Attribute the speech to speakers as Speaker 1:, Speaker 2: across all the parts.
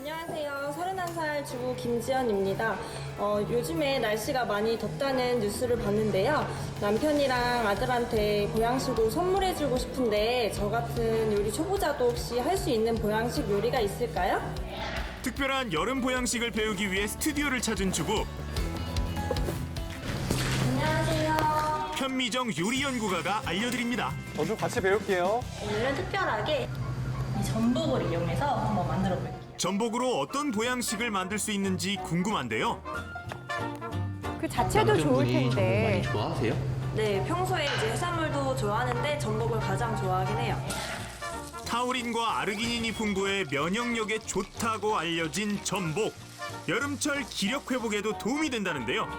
Speaker 1: 안녕하세요. 31살 주부 김지연입니다. 요즘에 날씨가 많이 덥다는 뉴스를 봤는데요. 남편이랑 아들한테 보양식으로 선물해주고 싶은데 저 같은 요리 초보자도 혹시 할 수 있는 보양식 요리가 있을까요?
Speaker 2: 특별한 여름 보양식을 배우기 위해 스튜디오를 찾은 주부.
Speaker 1: 안녕하세요.
Speaker 2: 편미정 요리연구가가 알려드립니다.
Speaker 3: 저도 같이 배울게요.
Speaker 1: 오늘은 특별하게 이 전복을 이용해서 한번 만들어 볼게요.
Speaker 2: 전복으로 어떤 보양식을 만들 수 있는지 궁금한데요.
Speaker 4: 그 자체도 좋을
Speaker 5: 남편분이 전복
Speaker 4: 텐데.
Speaker 5: 많이 좋아하세요?
Speaker 1: 네, 평소에 이제 해산물도 좋아하는데 전복을 가장 좋아하긴 해요.
Speaker 2: 타우린과 아르기닌이 풍부해 면역력에 좋다고 알려진 전복. 여름철 기력 회복에도 도움이 된다는데요.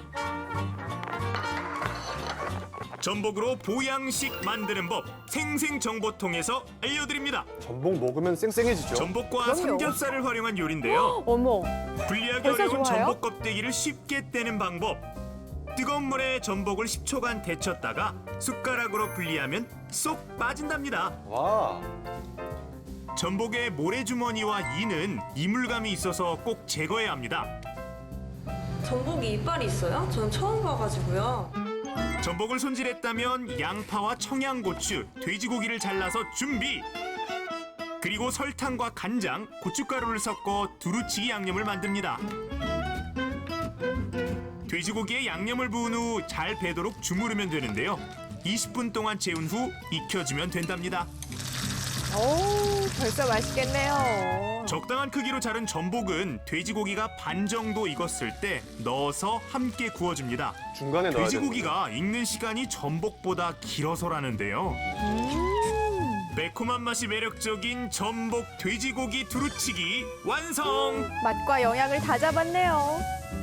Speaker 2: 전복으로 보양식 만드는 법 생생정보통에서 알려드립니다.
Speaker 3: 전복 먹으면 쌩쌩해지죠.
Speaker 2: 전복과
Speaker 4: 그럼요.
Speaker 2: 삼겹살을 활용한 요리인데요.
Speaker 4: 어머,
Speaker 2: 분리하기
Speaker 4: 벌써
Speaker 2: 어려운
Speaker 4: 좋아요?
Speaker 2: 전복 껍데기를 쉽게 떼는 방법. 뜨거운 물에 전복을 10초간 데쳤다가 숟가락으로 분리하면 쏙 빠진답니다.
Speaker 3: 와,
Speaker 2: 전복의 모래주머니와 이는 이물감이 있어서 꼭 제거해야 합니다.
Speaker 1: 전복이 이빨이 있어요? 전 처음 봐가지고요.
Speaker 2: 전복을 손질했다면 양파와 청양고추, 돼지고기를 잘라서 준비. 그리고 설탕과 간장, 고춧가루를 섞어 두루치기 양념을 만듭니다. 돼지고기에 양념을 부은 후 잘 배도록 주무르면 되는데요. 20분 동안 재운 후 익혀주면 된답니다.
Speaker 4: 오, 벌써 맛있겠네요.
Speaker 2: 적당한 크기로 자른 전복은 돼지고기가 반 정도 익었을 때 넣어서 함께 구워줍니다.
Speaker 3: 중간에 넣어야 되는
Speaker 2: 돼지고기가 익는 시간이 전복보다 길어서라는데요. 매콤한 맛이 매력적인 전복 돼지고기 두루치기 완성!
Speaker 4: 맛과 영양을 다 잡았네요.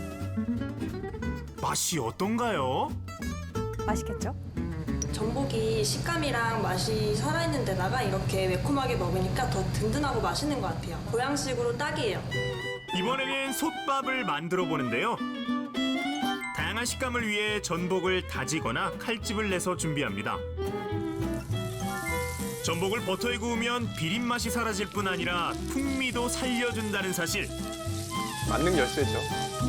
Speaker 2: 맛이 어떤가요?
Speaker 4: 맛있겠죠?
Speaker 1: 전복이 식감이랑 맛이 살아있는 데다가 이렇게 매콤하게 먹으니까 더 든든하고 맛있는 것 같아요. 보양식으로 딱이에요.
Speaker 2: 이번에는 솥밥을 만들어 보는데요. 다양한 식감을 위해 전복을 다지거나 칼집을 내서 준비합니다. 전복을 버터에 구우면 비린 맛이 사라질 뿐 아니라 풍미도 살려준다는 사실.
Speaker 3: 만능 열쇠죠.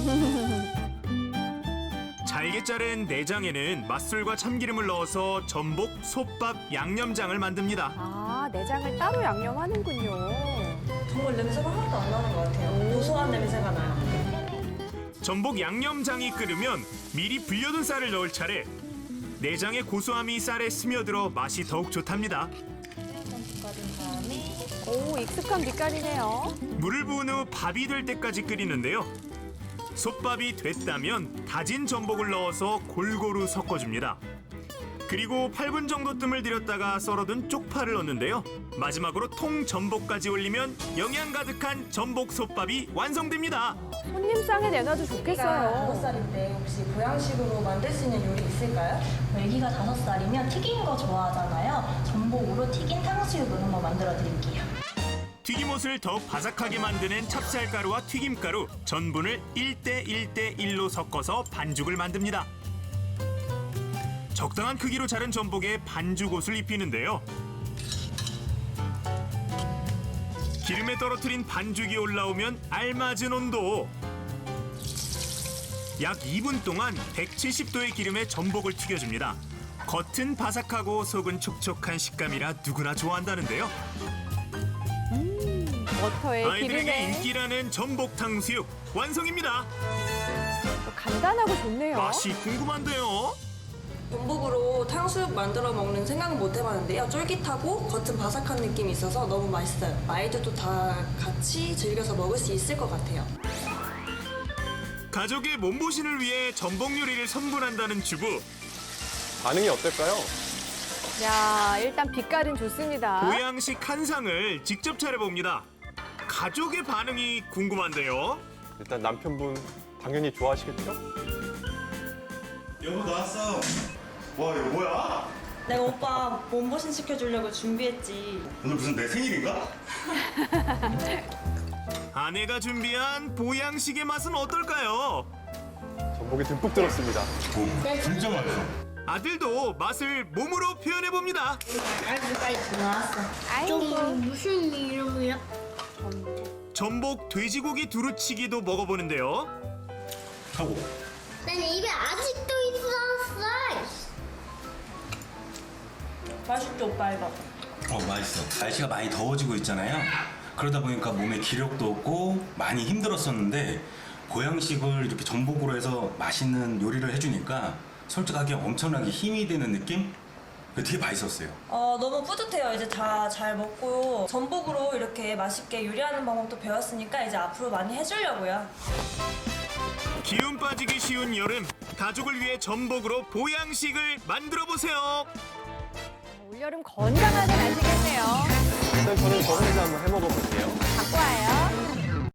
Speaker 2: 잘게 자른 내장에는 맛술과 참기름을 넣어서 전복, 솥밥, 양념장을 만듭니다.
Speaker 4: 아, 내장을 따로 양념하는군요.
Speaker 1: 정말 냄새가 하나도 안 나는 것 같아요. 고소한 냄새가 나요.
Speaker 2: 전복 양념장이 끓으면 미리 불려둔 쌀을 넣을 차례. 내장의 고소함이 쌀에 스며들어 맛이 더욱 좋답니다.
Speaker 4: 오, 익숙한 빛깔이네요.
Speaker 2: 물을 부은 후 밥이 될 때까지 끓이는데요. 솥밥이 됐다면 다진 전복을 넣어서 골고루 섞어줍니다. 그리고 8분 정도 뜸을 들였다가 썰어둔 쪽파를 넣는데요. 마지막으로 통 전복까지 올리면 영양 가득한 전복 솥밥이 완성됩니다.
Speaker 4: 손님상에 내놔도
Speaker 1: 애기가
Speaker 4: 좋겠어요.
Speaker 1: 5살인데 혹시 보양식으로 만들 수 있는 요리 있을까요?
Speaker 6: 애기가 5살이면 튀긴 거 좋아하잖아요. 전복으로 튀긴 탕수육을 한번 만들어 드릴게요.
Speaker 2: 튀김옷을 더욱 바삭하게 만드는 찹쌀가루와 튀김가루, 전분을 1대1대1로 섞어서 반죽을 만듭니다. 적당한 크기로 자른 전복에 반죽옷을 입히는데요. 기름에 떨어뜨린 반죽이 올라오면 알맞은 온도. 약 2분 동안 170도의 기름에 전복을 튀겨줍니다. 겉은 바삭하고 속은 촉촉한 식감이라 누구나 좋아한다는데요.
Speaker 4: 버터에
Speaker 2: 아이들에게
Speaker 4: 기름에
Speaker 2: 인기라는 전복 탕수육 완성입니다.
Speaker 4: 또 간단하고 좋네요.
Speaker 2: 맛이 궁금한데요.
Speaker 1: 전복으로 탕수육 만들어 먹는 생각은 못 해봤는데요. 쫄깃하고 겉은 바삭한 느낌이 있어서 너무 맛있어요. 아이들도 다 같이 즐겨서 먹을 수 있을 것 같아요.
Speaker 2: 가족의 몸보신을 위해 전복 요리를 선물한다는 주부.
Speaker 3: 반응이 어떨까요?
Speaker 4: 야, 일단 빛깔은 좋습니다.
Speaker 2: 보양식 한 상을 직접 차려봅니다. 가족의 반응이 궁금한데요.
Speaker 3: 일단 남편분 당연히 좋아하시겠죠?
Speaker 7: 여보 나왔어. 와 이거 뭐야?
Speaker 1: 내가 오빠 몸보신 시켜주려고 준비했지.
Speaker 7: 오늘 무슨 내 생일인가?
Speaker 2: 아내가 준비한 보양식의 맛은 어떨까요?
Speaker 3: 전복이 듬뿍 들었습니다.
Speaker 7: 진짜 맛있어.
Speaker 2: 아들도 맛을 몸으로 표현해봅니다.
Speaker 6: 빨리 나왔어.
Speaker 4: 아이고.
Speaker 8: 무슨 이름이야?
Speaker 2: 전복 돼지고기 두루치기도 먹어보는데요.
Speaker 7: 하고.
Speaker 5: 난 입에 아직도 있었어.
Speaker 1: 맛있죠, 오빠 이거?
Speaker 8: 맛있어. 날씨가 많이 더워지고 있잖아요. 그러다 보니까 몸에 기력도 없고 많이 힘들었었는데 보양식을 이렇게 전복으로 해서 맛있는 요리를 해주니까 솔직하게 엄청나게 힘이 되는 느낌? 되게 맛있었어요.
Speaker 1: 너무 뿌듯해요. 이제 다 잘 먹고 전복으로 이렇게 맛있게 요리하는 방법도 배웠으니까 이제 앞으로 많이 해주려고요.
Speaker 2: 기운 빠지기 쉬운 여름, 가족을 위해 전복으로 보양식을 만들어 보세요.
Speaker 4: 올여름 건강하게 마시겠네요.
Speaker 3: 일단 저는 저 혼자 한번 해 먹어볼게요.
Speaker 4: 갖고 와요.